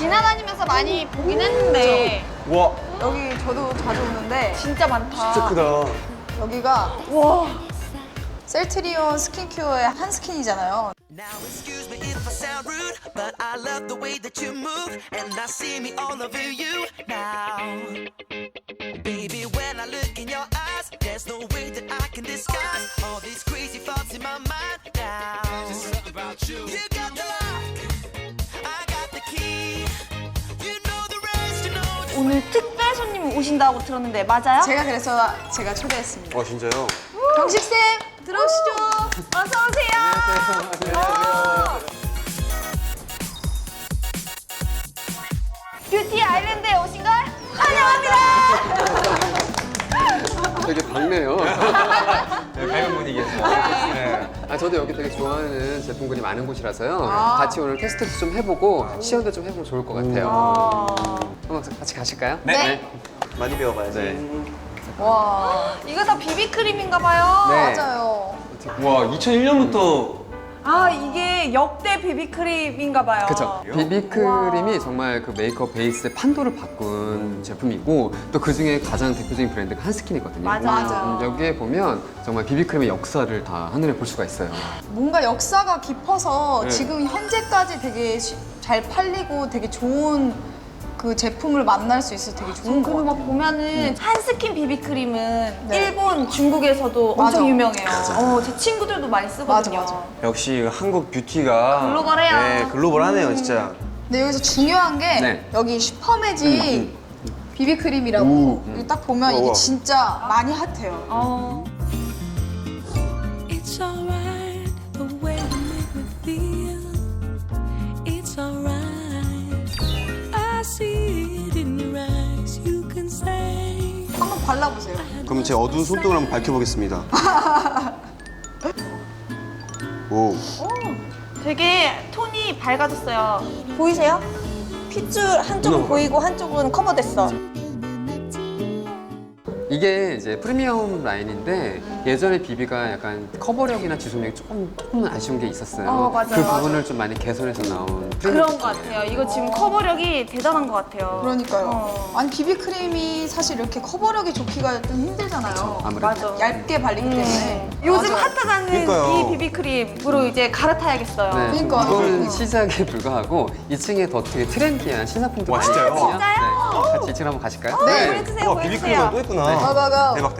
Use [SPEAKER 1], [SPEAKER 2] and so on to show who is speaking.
[SPEAKER 1] 지나다니면서 많이 보긴 했는데
[SPEAKER 2] 와,
[SPEAKER 3] 여기 저도 자주 오는데
[SPEAKER 1] 진짜 많다.
[SPEAKER 2] 진짜 크다.
[SPEAKER 3] 여기가
[SPEAKER 1] 와.
[SPEAKER 3] 셀트리온 스킨큐어의 한 스킨이잖아요.
[SPEAKER 4] Now excuse me if I sound rude, but I love the way that you move, and I see me all over you now. Baby, when I look in your eyes, there's no way that I can disguise all these crazy thoughts in my mind now. Just something about you. You got the lock, I got the key. You know the rest, you know.
[SPEAKER 1] 오늘 특별 손님 오신다고 들었는데 맞아요?
[SPEAKER 3] 제가 그래서 제가 초대했습니다.
[SPEAKER 2] 진짜요?
[SPEAKER 3] 경식쌤 들어오시죠.
[SPEAKER 1] 어서 오세요. 뷰티 아일랜드에 오신 걸 환영합니다.
[SPEAKER 5] 되게 밝네요.
[SPEAKER 2] 네, 밝은 분위기에서. 네.
[SPEAKER 5] 저도 여기 되게 좋아하는 제품군이 많은 곳이라서요. 같이 오늘 테스트도 좀 해보고 시연도 좀 해보면 좋을 것 같아요. 한번 같이 가실까요?
[SPEAKER 2] 네. 많이 배워봐야지.
[SPEAKER 5] 네.
[SPEAKER 3] 와
[SPEAKER 1] 이거 다 비비크림인가 봐요.
[SPEAKER 5] 네.
[SPEAKER 3] 맞아요.
[SPEAKER 2] 와, 2001년부터
[SPEAKER 1] 아 이게 역대 비비크림인가 봐요.
[SPEAKER 5] 그쵸. 비비크림이 정말 그 메이크업 베이스의 판도를 바꾼 제품이고 또 그 중에 가장 대표적인 브랜드가 한스킨이거든요.
[SPEAKER 1] 맞아요.
[SPEAKER 5] 여기에 보면 정말 비비크림의 역사를 다 한눈에 볼 수가 있어요.
[SPEAKER 3] 뭔가 역사가 깊어서
[SPEAKER 5] 네.
[SPEAKER 3] 지금 현재까지 되게 잘 팔리고 되게 좋은 그 제품을 만날 수 있어서 되게 좋은 것
[SPEAKER 1] 그리고
[SPEAKER 3] 같아요.
[SPEAKER 1] 막 보면은 한스킨 비비크림은
[SPEAKER 3] 네.
[SPEAKER 1] 일본, 중국에서도
[SPEAKER 3] 맞아.
[SPEAKER 1] 엄청 유명해요. 제 친구들도 많이 쓰거든요.
[SPEAKER 3] 맞아.
[SPEAKER 2] 역시 한국 뷰티가
[SPEAKER 1] 글로벌해요.
[SPEAKER 2] 네, 글로벌하네요, 진짜.
[SPEAKER 3] 근데 여기서 중요한 게
[SPEAKER 5] 네.
[SPEAKER 3] 여기 슈퍼매직 비비크림이라고 여기 딱 보면 이게
[SPEAKER 2] 우와.
[SPEAKER 3] 진짜 많이 핫해요.
[SPEAKER 6] It's alright the way you make me feel. It's alright. I see it in your eyes. You can say.
[SPEAKER 3] 한번 발라보세요.
[SPEAKER 2] 그럼 제 어두운 손등을 한번 밝혀보겠습니다. 오.
[SPEAKER 1] 되게 톤이 밝아졌어요. 보이세요? 핏줄 한쪽은 보이고 한쪽은 커버됐어.
[SPEAKER 5] 이게 이제 프리미엄 라인인데 예전에 비비가 약간 커버력이나 지속력이 조금 아쉬운 게 있었어요.
[SPEAKER 1] 맞아요.
[SPEAKER 5] 그 부분을 좀 많이 개선해서 나온
[SPEAKER 1] 그런 것 같아요. 이거 지금 커버력이 대단한 것 같아요.
[SPEAKER 3] 그러니까요. 아니 비비크림이 사실 이렇게 커버력이 좋기가 좀 힘들잖아요.
[SPEAKER 5] 아무래도.
[SPEAKER 1] 맞아.
[SPEAKER 3] 얇게 발리기 때문에.
[SPEAKER 1] 요즘
[SPEAKER 3] 맞아요.
[SPEAKER 1] 핫하다는
[SPEAKER 2] 그러니까요.
[SPEAKER 1] 이 비비크림으로 이제 갈아타야겠어요.
[SPEAKER 5] 네,
[SPEAKER 3] 그러니까.
[SPEAKER 5] 이거는 시작에 불과하고 2층에 더 되게 트렌디한 신상품도
[SPEAKER 2] 와,
[SPEAKER 5] 많이
[SPEAKER 2] 진짜요?
[SPEAKER 5] 있거든요.
[SPEAKER 1] 진짜요?
[SPEAKER 5] 네. 같이 2층 한번 가실까요?
[SPEAKER 1] 네, 보내주세요,
[SPEAKER 2] 와, 비비크림이
[SPEAKER 1] 보내주세요.
[SPEAKER 2] 또 있구나.
[SPEAKER 3] 가가가.
[SPEAKER 2] 대박.